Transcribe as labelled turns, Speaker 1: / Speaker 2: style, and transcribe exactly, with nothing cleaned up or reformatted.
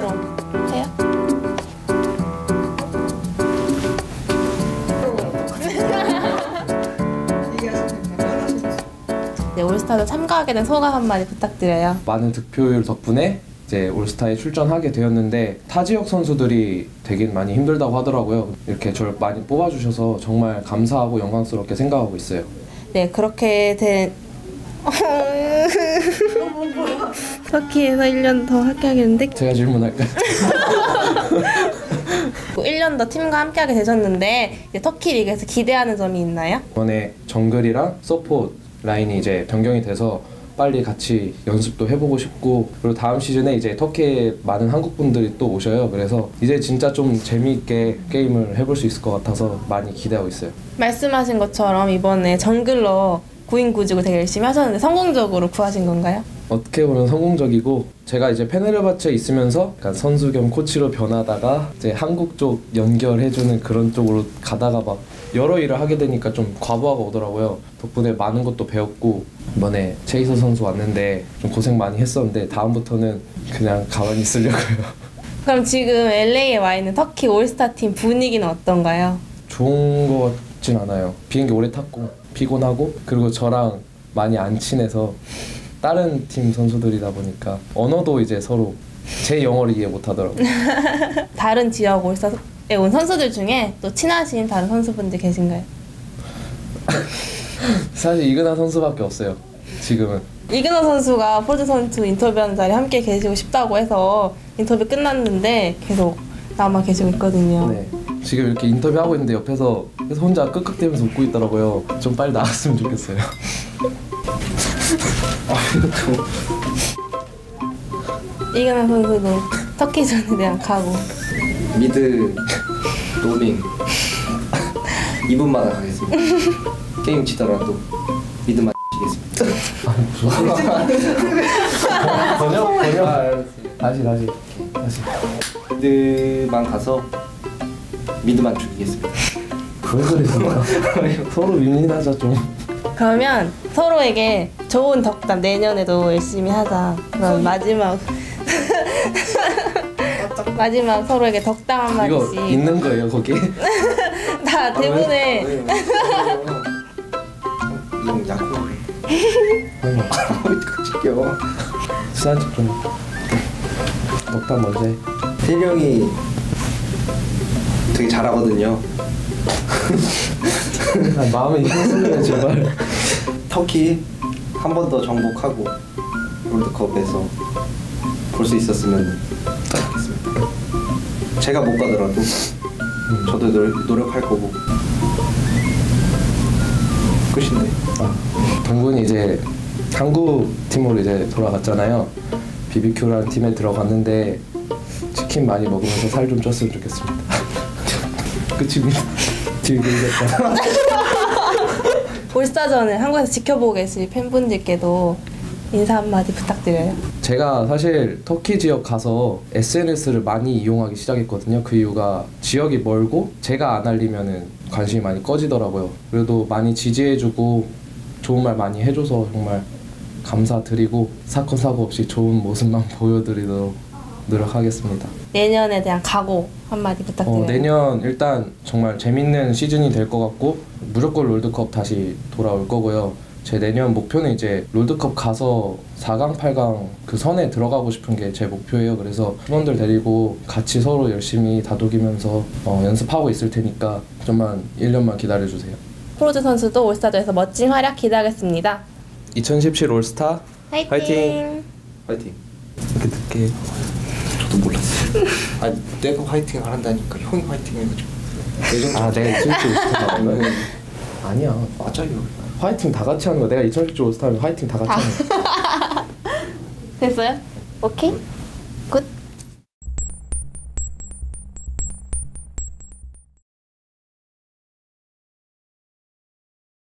Speaker 1: 그럼 해요. 네, 올스타도 참가하게 된 소감 한마디 부탁드려요.
Speaker 2: 많은 득표율 덕분에 이제 올스타에 출전하게 되었는데 타 지역 선수들이 되긴 많이 힘들다고 하더라고요. 이렇게 저를 많이 뽑아주셔서 정말 감사하고 영광스럽게 생각하고 있어요.
Speaker 1: 네, 그렇게 된 터키에서 일 년 더 함께하겠는데
Speaker 2: 제가 질문할까요?
Speaker 1: 일 년 더 팀과 함께하게 되셨는데 이제 터키 리그에서 기대하는 점이 있나요?
Speaker 2: 이번에 정글이랑 서포트 라인이 이제 변경이 돼서 빨리 같이 연습도 해보고 싶고, 그리고 다음 시즌에 이제 터키에 많은 한국 분들이 또 오셔요. 그래서 이제 진짜 좀 재미있게 게임을 해볼 수 있을 것 같아서 많이 기대하고 있어요.
Speaker 1: 말씀하신 것처럼 이번에 정글러 구인 구직을 되게 열심히 하셨는데 성공적으로 구하신 건가요?
Speaker 2: 어떻게 보면 성공적이고, 제가 이제 페네르바체 있으면서 약간 선수 겸 코치로 변하다가 이제 한국 쪽 연결해주는 그런 쪽으로 가다가 막 여러 일을 하게 되니까 좀 과부하가 오더라고요. 덕분에 많은 것도 배웠고, 이번에 체이서 선수 왔는데 좀 고생 많이 했었는데 다음부터는 그냥 가만히 있으려고요.
Speaker 1: 그럼 지금 엘에이에 와 있는 터키 올스타 팀 분위기는 어떤가요?
Speaker 2: 좋은 것 같진 않아요. 비행기 오래 탔고 피곤하고, 그리고 저랑 많이 안 친해서 다른 팀 선수들이다 보니까 언어도 이제 서로 제 영어를 이해 못 하더라고요.
Speaker 1: 다른 지역 올스타에 온 선수들 중에 또 친하신 다른 선수분들 계신가요?
Speaker 2: 사실 이근하 선수밖에 없어요, 지금은.
Speaker 1: 이근호 선수가 포즈 선수 인터뷰하는 자리에 함께 계시고 싶다고 해서 인터뷰 끝났는데 계속 남아 계시고 있거든요.
Speaker 2: 네. 지금 이렇게 인터뷰하고 있는데 옆에서 계속 혼자 끄끄대면서 웃고 있더라고요. 좀 빨리 나갔으면 좋겠어요.
Speaker 1: 이근호 선수도 터키전에 대한 각오.
Speaker 3: 미드 로밍 이 분만 하겠습니다. 게임 지더라도 미드만 치겠습니다.
Speaker 2: 번역? 번역?
Speaker 3: 아, 알았어요.
Speaker 2: 다시 다시 다시.
Speaker 3: 미드만 가서 미드만 죽이겠습니다.
Speaker 2: 왜 그러세요? 서로 윈윈하자 좀.
Speaker 1: 그러면 서로에게 좋은 덕담 내년에도 열심히 하자. 그럼 마지막 마지막 서로에게 덕담 한 마디씩.
Speaker 2: 이거 있는 거예요 거기?
Speaker 1: 다 대본에.
Speaker 3: 이건 야구.
Speaker 2: 어디
Speaker 3: 찍겨.
Speaker 2: 친한 척 좀. 덕담 먼저 해.
Speaker 3: 태리 형이 되게 잘하거든요.
Speaker 2: 아, 마음이 힘쓰네 제발.
Speaker 3: 터키 한 번 더 정복하고 롤드컵에서 볼 수 있었으면 좋겠습니다. 제가 못 가더라도 저도 노, 노력할 거고. 끝인데.
Speaker 2: 아, 동군이 이제 한국 팀으로 이제 돌아갔잖아요. 비비큐라는 팀에 들어갔는데 치킨 많이 먹으면서 살 좀 쪘으면 좋겠습니다. 끝입니다. 즐기겠다.
Speaker 1: 올스타전을 한국에서 지켜보고 계실 팬분들께도 인사 한마디 부탁드려요.
Speaker 2: 제가 사실 터키 지역 가서 에스엔에스를 많이 이용하기 시작했거든요. 그 이유가 지역이 멀고 제가 안 알리면은 관심이 많이 꺼지더라고요. 그래도 많이 지지해주고 좋은 말 많이 해줘서 정말 감사드리고 사건 사고 없이 좋은 모습만 보여드리도록 노력하겠습니다.
Speaker 1: 내년에 대한 각오 한마디 부탁드려요.
Speaker 2: 어, 내년 일단 정말 재밌는 시즌이 될 것 같고 무조건 롤드컵 다시 돌아올 거고요. 제 내년 목표는 이제 롤드컵 가서 사 강, 팔 강 그 선에 들어가고 싶은 게 제 목표예요. 그래서 팀원들 데리고 같이 서로 열심히 다독이면서 어, 연습하고 있을 테니까 좀만 일 년만 기다려주세요.
Speaker 1: 프로즈 선수도 올스타전에서 멋진 활약 기대하겠습니다.
Speaker 2: 이천십칠 올스타
Speaker 1: 화이팅!
Speaker 2: 화이팅!
Speaker 3: 화이팅.
Speaker 2: 이렇게 늦게
Speaker 3: 저도 몰랐어요. 아니 내가 화이팅 하란다니까 형이 화이팅 해가지고.
Speaker 2: 아 내가 이천십칠 올스타 나온 거야? 아니야
Speaker 3: 맞아요.
Speaker 2: 화이팅 다 같이 하는 거야. 내가 이천십칠 올스타면 화이팅 다 같이 하는 거야.
Speaker 1: 됐어요? 오케이? 굿?